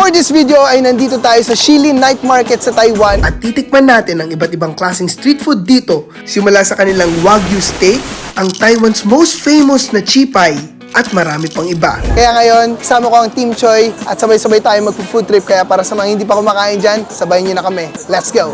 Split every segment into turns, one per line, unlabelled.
For this video ay nandito tayo sa Shilin Night Market sa Taiwan at titikman natin ang iba't ibang klaseng street food dito. Simula sa kanilang Wagyu steak, ang Taiwan's most famous na chipay, at marami pang iba. Kaya ngayon, kasama ko ang Team Choi at sabay-sabay tayo magpo-food trip. Kaya para sa mga hindi pa kumakain dyan, sabayin nyo na kami. Let's go!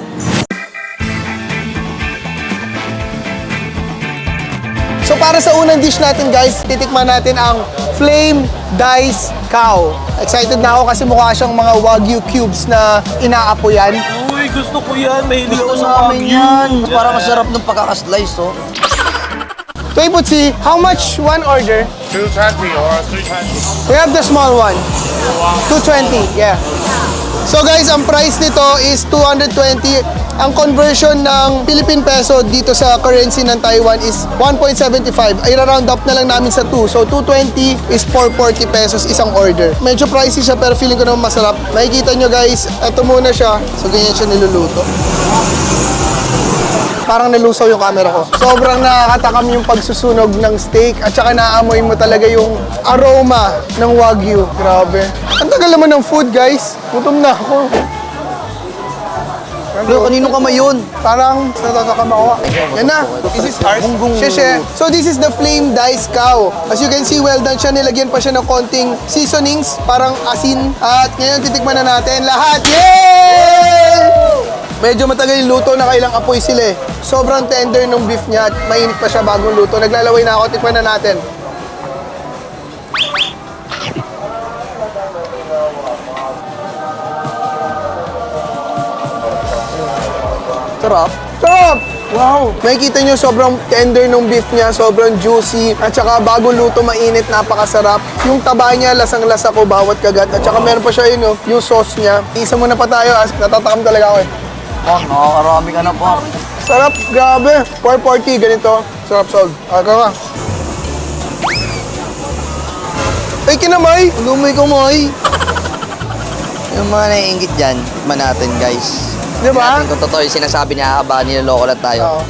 So para sa unang dish natin guys, titikman natin ang Flame Diced Cow. Excited na ako kasi mukha siyang mga Wagyu cubes na inaapoyan.
Uy, gusto ko yan. Mahilig ako
Gusto
sa
namin
Wagyu.
yan. Para masarap ng pagkakaslice, oh.
Toy Putsi, how much one order?
220 or 320.
We have the small one. 220, yeah. So guys, ang price nito is 220. Ang conversion ng Philippine peso dito sa currency ng Taiwan is 1.75. Ay round up na lang namin sa 2. So 220 is 440 pesos isang order. Medyo pricey siya pero feeling ko naman masarap. Makikita nyo guys, ito muna siya. So ganyan siya niluluto. Parang nalusaw yung camera ko. Sobrang nakakatakam yung pagsusunog ng steak at saka naamoy mo talaga yung aroma ng Wagyu. Grabe. Ang tagal naman ng food guys. Gutom na ako.
Pero kanino kamay yun?
Parang natatakam ako. Yan na. This is ours. Sheshe. So this is the Flame Diced Cow. As you can see, well done siya. Nilagyan pa siya ng konting seasonings. Parang asin. At ngayon titikman na natin lahat. Yay! Medyo matagal yung luto, nakailang apoy sila eh. Sobrang tender ng beef niya at mainit pa siya bagong luto. Naglalaway na ako, tikman na natin.
Sarap.
Sarap! Wow! Makikita nyo sobrang tender ng beef niya, sobrang juicy, at saka bagong luto, mainit, napakasarap. Yung taba niya, lasang-lasa ko bawat kagat. At saka meron pa siya yun, oh, yung sauce niya. Isa muna pa tayo, natatakam talaga ako eh.
Oh, nakakarami ka na po.
Sarap, grabe. 440, ganito. Sarap, sold. Aka ka. Ay, kinamay!
Lumay-kumay. Yung mga naiingit dyan, tikman natin, guys.
Di ba?
Tingnan natin kung totoo yung sinasabi niya, aba, niloloko lang tayo.
Oo.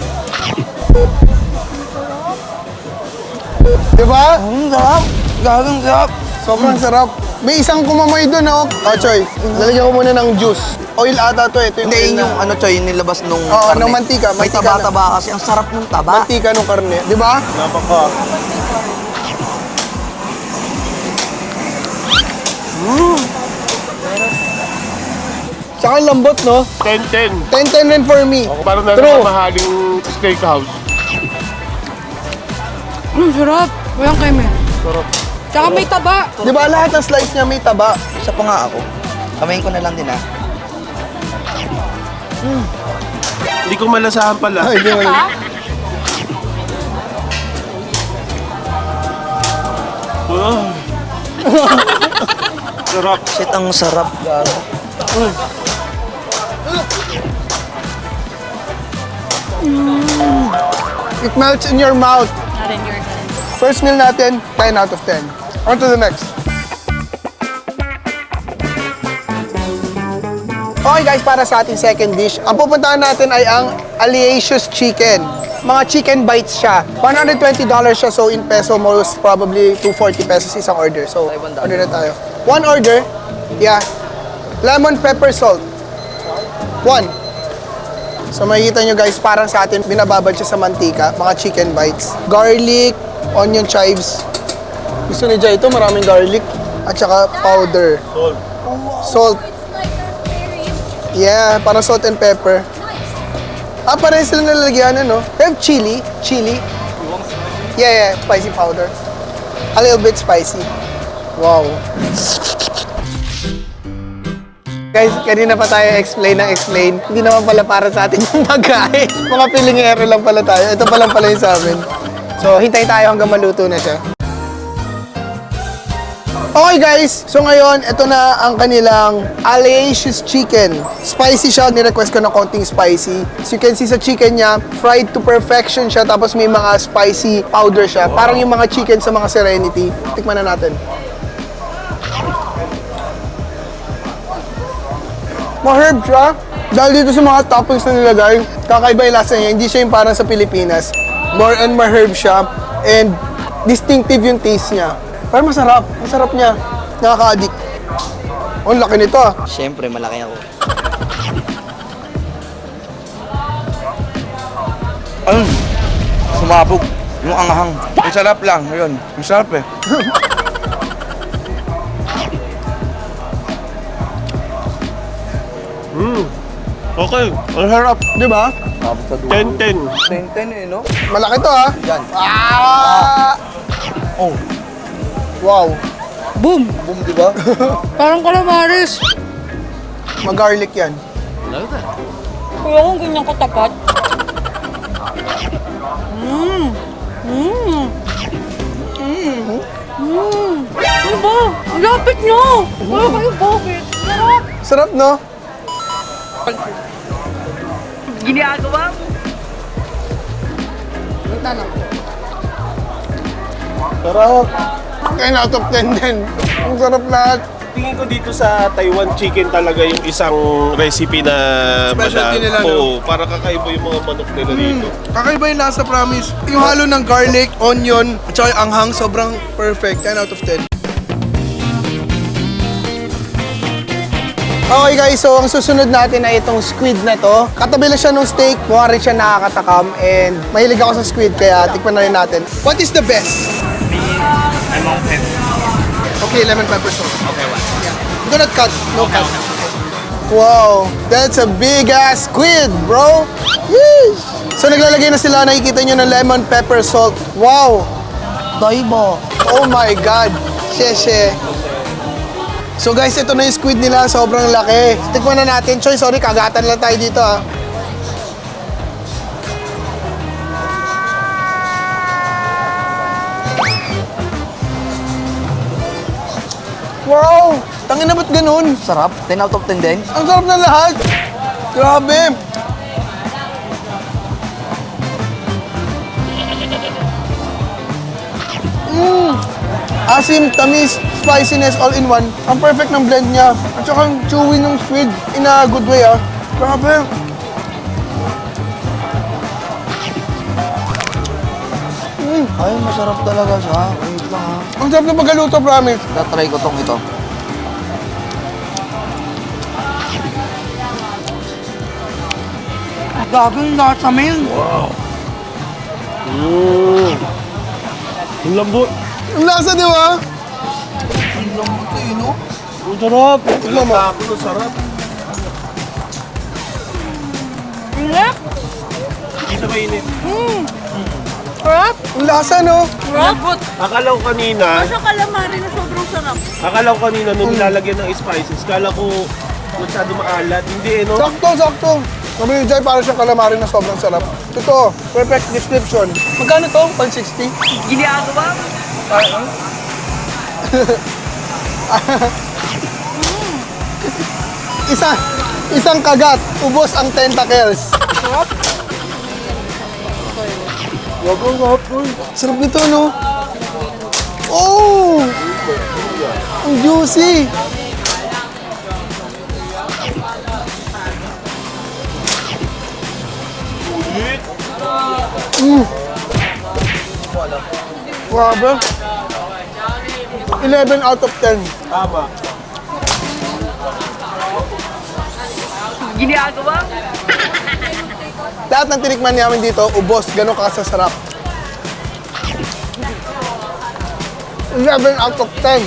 Di ba?
Sarap. Gagang sarap.
Sobrang sarap. May isang kumamay doon, oh. Oh, Choy, lalagyan ko muna ng juice. Oil ata to, ito yung
Hindi,
oil
yun
na.
yung ano, Choy, yung nilabas nung
Oo,
karne.
ng mantika.
May
Mantika
taba-taba kasi. Ang sarap ng taba.
Mantika nung karne. Di ba?
Napaka.
Tsaka ang lambot, no?
10-10.
10-10 rin for me.
Ako parang na
True.
mahaling steakhouse.
Sarap. Walang keme.
Sarap.
Tsaka may taba.
Di ba lahat ng slice niya may taba?
Isa pa nga ako. Kamayin ko na lang din, ah.
Hindi ko malasahan pala.
Ay, di mo yun.
Ah. Sarap.
Shit, ang sarap. Gago.
It melts in your mouth.
Not in your hand.
First meal natin, 10 out of 10. On to the next. Okay guys, para sa ating second dish, ang pupuntahan natin ay ang Aliacious Chicken. Mga chicken bites siya. $120 siya, so in peso, most probably 240 pesos isang order. So,
Taiwan dollar.
order na tayo. One order, yeah. Lemon pepper salt. One. So makikita nyo guys, parang sa atin, binababad siya sa mantika, mga chicken bites. Garlic, onion chives. Gusto ni Jai ito, maraming garlic. At saka powder.
Salt.
Salt. Yeah, parang salt and pepper. Ah, parang sila nalalagyan, ano? They have chili. Chili. Yeah, spicy powder. A little bit spicy. Wow. Guys, kanina pa tayo explain. Hindi naman pala para sa atin yung pagkain. Mga pilingero lang pala tayo. Ito pa lang pala yung sa amin. So, hintay tayo hanggang maluto na siya. Okay guys, so ngayon, ito na ang kanilang Aliacious Chicken. Spicy siya, ni-request ko ng konting spicy. So you can see sa chicken niya, fried to perfection siya, tapos may mga spicy powder siya. Parang yung mga chicken sa mga Serenity. Tikman na natin. Ma-herb siya. Dahil dito sa mga toppings na nilagay, kakaiba yung lasa niya. Hindi siya yung parang sa Pilipinas. More and ma-herb siya. And distinctive yung taste niya. Pero masarap. Masarap niya. Nakaka-addict. Oh, ang laki nito ah.
Siyempre, malaki ako. Ayun, sumabog. Yung anghang. Ang sarap lang, yun. Ang sarap eh.
Okay, ang harap.
Di ba?
10-10.
10-10 eh, no?
Malaki to ah.
Yan.
Ah!
Oh,
Wow.
Boom!
boom, di ba?
Parang calamares.
Mag-garlic yan.
Kuya, kung ganyan katapat. Mmm. Mmm. Mmm. Ano ba? Ang lapit nyo! Wala kayo bakit? Sarap!
Sarap, no? Sarap. 10 out of 10 din. Ang sarap lahat.
Tingin ko dito sa Taiwan chicken talaga yung isang recipe na
Specialty nila, no?
Oo, para kakaiba yung mga manok nila dito.
Kakaiba yung lasa, promise. Yung halo ng garlic, onion, at saka yung anghang, sobrang perfect. 10 out of 10. Okay guys, so ang susunod natin ay itong squid na to. Katabi lang siya ng steak, mukha rin siya nakakatakam, and mahilig ako sa squid, kaya tikman na rin natin. What is the best?
Lemon pepper.
Okay, lemon pepper sauce.
Okay, one.
Yeah. Do not cut, no cut. Wow, that's a big ass squid, bro. Yeesh. So naglalagay na sila, nakikita nyo ng lemon pepper salt. Wow.
Toibo.
Oh my God. Sheshe. So guys, ito na yung squid nila. Sobrang laki. Tikman na natin. Choy, sorry, kagatan lang tayo dito ah. Wow! Tangin na ba't ganun?
Sarap. 10 out of 10 din.
Ang sarap ng lahat. Grabe. Asim, tamis, spiciness, all in one. Ang perfect ng blend niya. At saka ang chewy ng squid in a good way ah. Grabe.
Ay, masarap talaga siya. Wait lang ha.
Ang sarap ng pagkaluto, promise.
Tatry ko tong ito. Gagawin lahat sa mail.
Ang lambot.
Ang lasa, di ba?
Ang lambot eh, no?
Ang sarap.
Tignan mo.
Ang sarap.
Sarap!
Dito mainit.
Sarap!
Ang lasa, no?
Sarap!
Akala ko kanina,
Sa calamari na sobrang sarap.
nung nilalagyan ng spices, kala ko masyado maalat. Hindi eh, no?
Sakto, sakto. Sabi ni Jai, parang siyang calamari na sobrang sarap. Ito, perfect description. Magkano to? 160?
Ginagawa?
Isang kagat, ubos ang tentacles. Sarap nito, no? Oh! Ang juicy! Grabe. 11 out of 10.
Tama.
Lahat ng tinikman namin dito, ubos, gano'n kasasarap. 11 out of 10.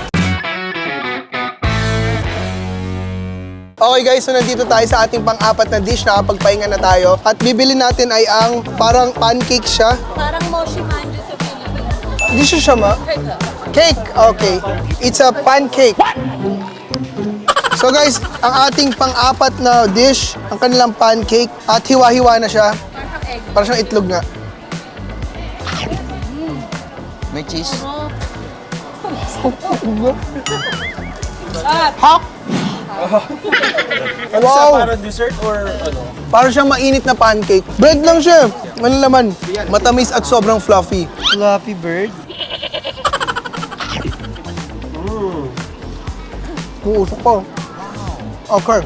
Okay guys, so nandito tayo sa ating pang-apat na dish, nakapagpahinga na tayo. At bibili natin ay ang parang pancake siya.
Parang moshi manju sa Pilipinas.
Hindi siya ma? Cake! Okay. It's a pancake. So guys, ang ating pang-apat na dish, ang kanilang pancake, at hiwa-hiwa na siya. Parang siyang itlog nga.
May cheese.
Hak! Wow!
Para dessert or ano?
Parang siyang mainit na pancake. Bread lang siya. Ano laman? Matamis at sobrang fluffy.
Fluffy bird.
Uusok pa. Okay.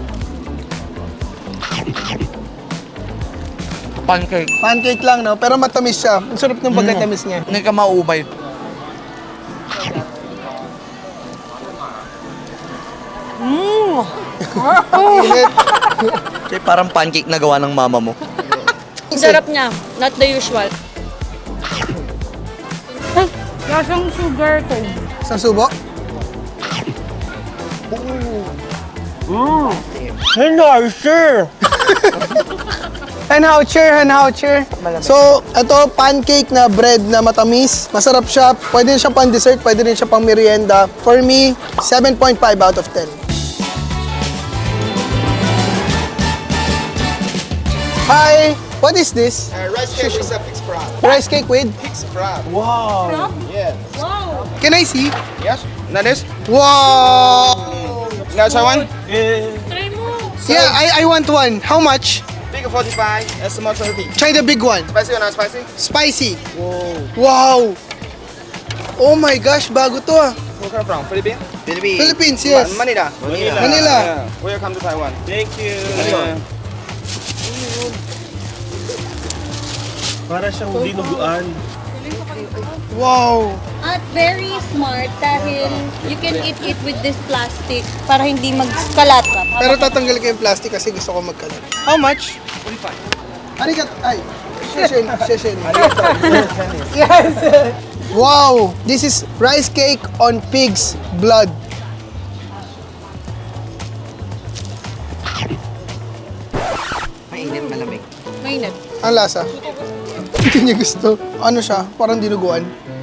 Pancake.
Pancake lang, no? Pero matamis siya. Ang sarap ng pagkatamis niya.
Hindi ka maubay.
Init.
Kasi parang pancake na gawa ng mama mo.
Ang sarap niya. Not the usual. Lasang sugar cone.
Sa subo? Henhoucher. So, ito, pancake na bread na matamis. Masarap siya. Pwede rin siya pang dessert, pwede rin siya pang merienda. For me, 7.5 out of 10. Hi! What is this?
Rice cake with a pig's broth.
Rice cake with?
Pig's broth.
Wow!
Yes.
Wow.
Can I see?
Yes. Now this.
Wow!
Now try one.
Try mo.
Yeah, I want one. How much?
Big 45 and small 30.
Try the big one.
Spicy or not spicy?
Spicy. Wow! Oh my gosh, bago to ah.
Where come from? Philippines?
Philippines, yes.
Manila.
Manila.
Yeah. Welcome to Taiwan.
Thank you! Para siyang dinuguan.
Wow!
At very smart dahil you can eat it with this plastic para hindi magkalat ka.
Pero tatanggal ko yung plastic kasi gusto ko magkalat. How much? 45. Arigat, ay. Sheshen. Yes! Wow! This is rice cake on pig's blood.
Mainit, malamig.
Mainit.
Ang lasa. Hindi niya gusto. Ano siya? Parang dinuguan.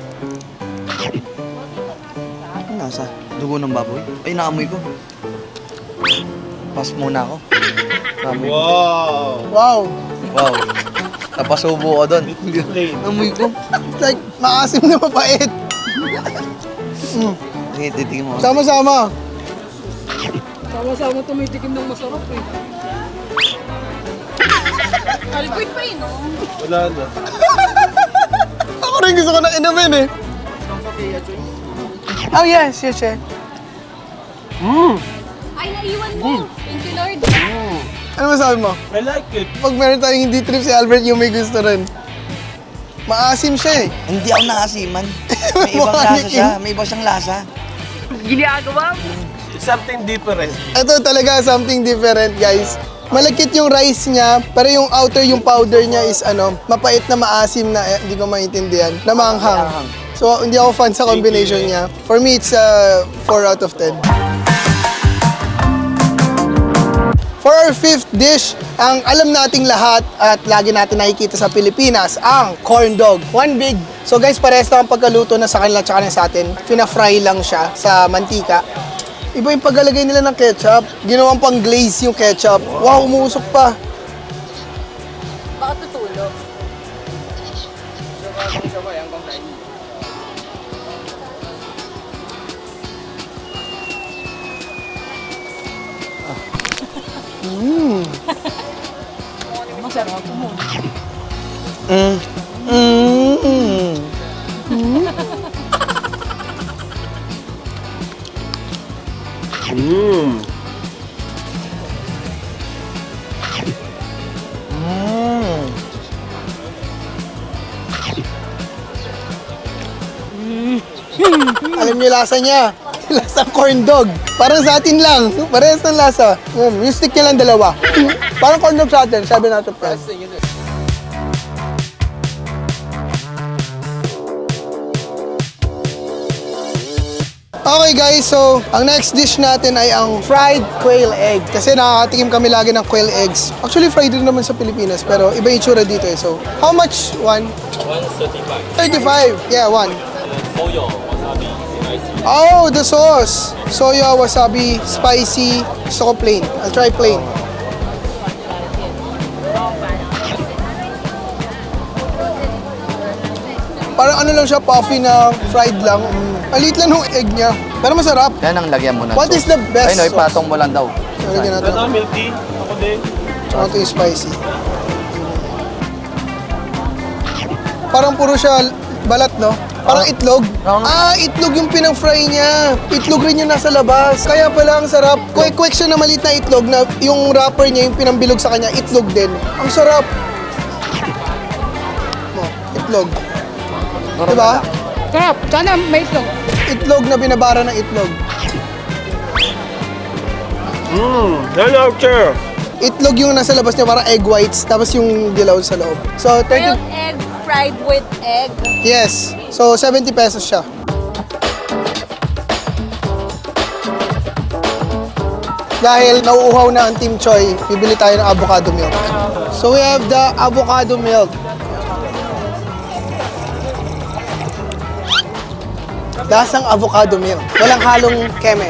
Ang nasa? Dugo ng baboy? Ay, naamoy ko. Pas muna ako. Naamoy ko.
Wow!
Wow!
Wow. Napasubo ko doon.
Plain.
Naamoy ko.
It's like maasim na mapait.
Sige, titigin mo.
Sama-sama.
Sama-sama tumitikim ng masarap eh. Albert pa yun, no?
Wala na.
Ako rin gusto ko na inumin eh. Oh yes, yes, yes.
Ay, naiwan mo. Thank you, Lord.
Ano masabi mo?
I like it.
Pag meron tayong hindi trip si Albert, yung may gusto rin. Maasim siya eh.
Hindi ako naasiman. May ibang lasa siya. May iba siyang lasa.
It's something different.
Ito talaga something different, guys. Malagkit yung rice niya, pero yung outer, yung powder niya is mapait na maasim na hindi ko maintindihan, na maanghang. So, hindi ako fan sa combination niya. For me, it's 4 out of 10. For our fifth dish, ang alam nating lahat at lagi natin nakikita sa Pilipinas, ang corn dog. One big. So guys, parehas na ang pagkaluto na sa kanila tsaka na sa atin. Pina-fry lang siya sa mantika. Iba yung paglalagay nila ng ketchup. Ginawang pang glaze yung ketchup. Wow, umuusok pa.
Baka tutulog. Masarap mo.
Mmm.
Alam niyo yung lasa niya. Lasa corn dog. Parang sa atin lang. Parehas ng lasa. Yung stick niya lang dalawa. Parang corn dog sa atin. 7 out of 10. Okay guys, so ang next dish natin ay ang fried quail egg. Kasi nakakatikim kami lagi ng quail eggs. Actually, fried din naman sa Pilipinas, pero iba yung itsura dito eh. So, how much one? 135. 35? Yeah, one.
Soya, wasabi, spicy.
Oh, the sauce. Soya, wasabi, spicy. Gusto ko plain. I'll try plain. Parang ano lang siya, puffy na fried lang. Ang liit lang ng egg niya. Pero masarap.
Yan ang lagyan mo na.
What is the best
Ay, no,
sauce?
ipatong mo lang daw.
So, lagyan natin.
Ito, milk tea. Ako din.
Tsaka ito yung spicy. Parang puro siya balat, no? Parang itlog. Itlog yung pinang-fry niya. Itlog rin yung nasa labas. Kaya pala ang sarap. Quick siya na maliit na itlog na yung wrapper niya, yung pinambilog sa kanya, itlog din. Ang sarap. Itlog. Diba?
Sarap. Sana may itlog.
Itlog na binabara ng itlog.
Hello, sir.
Itlog yung nasa labas niya, parang egg whites, tapos yung dilaw sa loob. So, 30...
Grilled egg fried with egg.
Yes. So, 70 pesos siya. Dahil nauuhaw na ang Team Choi, bibili tayo ng avocado milk. So, we have the avocado milk. Lasang avocado milk. Walang halong keme.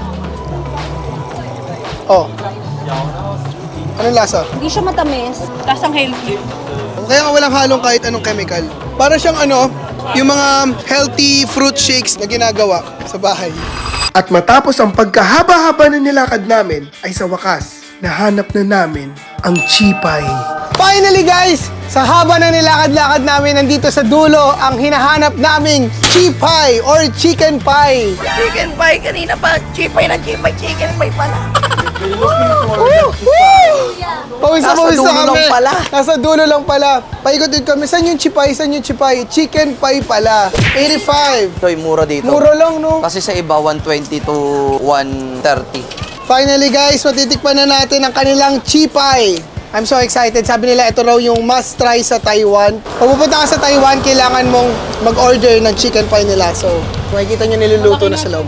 Oh. Anong lasa?
Hindi siya matamis. Lasang healthy.
Kaya nga walang halong kahit anong chemical. Para siyang ano, yung mga healthy fruit shakes na ginagawa sa bahay. At matapos ang pagkahaba-haba na nilakad namin, ay sa wakas, nahanap na namin ang chipay. Finally guys, sa haba na nilakad-lakad namin, nandito sa dulo ang hinahanap naming chipay or chicken pie.
Chicken pie kanina pa. Chipay na chipay. Chicken pie pala.
Pawis na
Nasa
pawis
dulo
na kami.
lang pala.
Nasa dulo lang pala. Paikot-ikot kami. Saan yung chipay? Saan yung chipay? Chicken pie pala. 85.
Ito, mura dito.
Mura lang, no?
Kasi sa iba, 120 to 130.
Finally guys, matitikpan na natin ang kanilang chipay. I'm so excited. Sabi nila ito raw yung must try sa Taiwan. Kung pupunta ka sa Taiwan, kailangan mong mag-order ng chicken pie nila. So, makikita nyo niluluto na sa loob.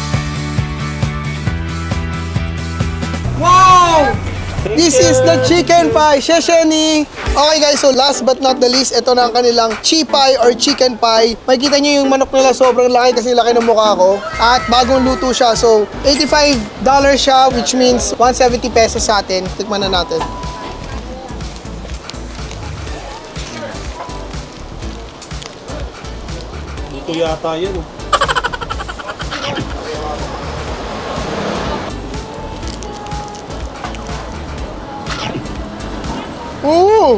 Wow! This is the chicken pie. Shesheni! Okay guys, so last but not the least, ito na ang kanilang chipay or chicken pie. Makikita nyo yung manok nila sobrang laki kasi laki ng mukha ko. At bagong luto siya. So, $85 siya, which means 170 pesos sa atin. Tikman na natin.
Ito yata yan.
Ooh!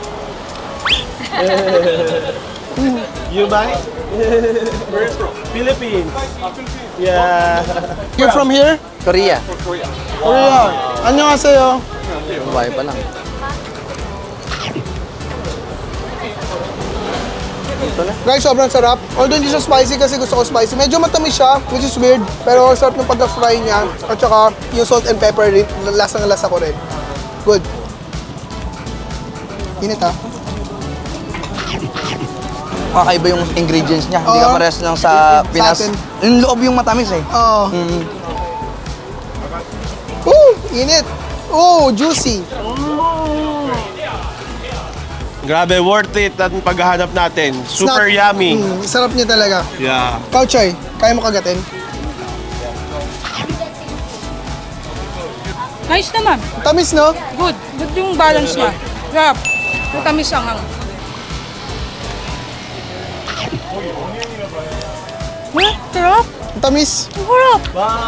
You buy? Where from? Philippines. Yeah.
You're from here?
Korea.
Korea. 안녕하세요.
Babae pa lang.
Guys, sobrang sarap. Although hindi siya spicy kasi gusto ko spicy. Medyo matamis siya, which is weird. Pero sarap ng pagka-fry niya. At saka yung salt and pepper, lasang-lasa ko rin. Good. Init ha.
Kakaiba yung ingredients niya. Hindi
Oo.
ka parehas lang sa Pinas.
atin.
Yung loob yung matamis eh.
Oo.
Mm.
Init. Juicy.
Grabe, worth it ang paghahanap natin. Super
Snack.
yummy.
Sarap niya talaga.
Yeah.
Kauchoy, kaya mo kagatin?
Nice naman.
Tamis, no?
Good. Good yung balance niya. Sarap. Matamis ang sarap.
Tamis.
Ang harap.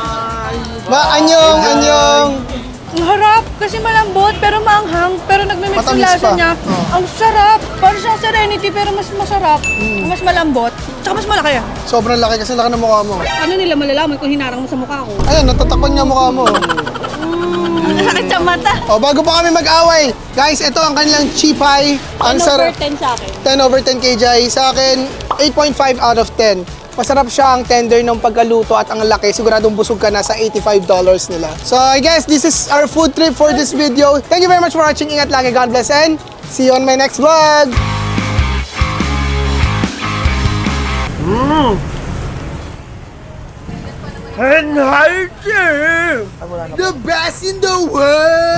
Anyong.
Ang harap. Kasi malambot pero maanghang. Pero nagmimix yung
Matamis
lasa
pa.
niya.
Oh.
Ang sarap. Parang siyang serenity pero mas masarap. Mas malambot. Tsaka mas malaki ah.
Sobrang laki kasi laki ng mukha mo.
Ano nila malalaman kung hinarang mo sa mukha ko?
Ayan, natatakpan niya mukha mo.
Ang sakit sa mata.
Bago pa kami mag-away, guys, ito ang kanilang chipay. Ang
10 over
sarap.
10 sa akin.
10 over 10 kay Jai. Sa akin, 8.5 out of 10. Masarap siya ang tender ng pagkaluto at ang laki. Siguradong busog ka na sa $85 nila. So I guess this is our food trip for this video. Thank you very much for watching. Ingat lagi. God bless and see you on my next vlog.
And healthy!
The best in the world!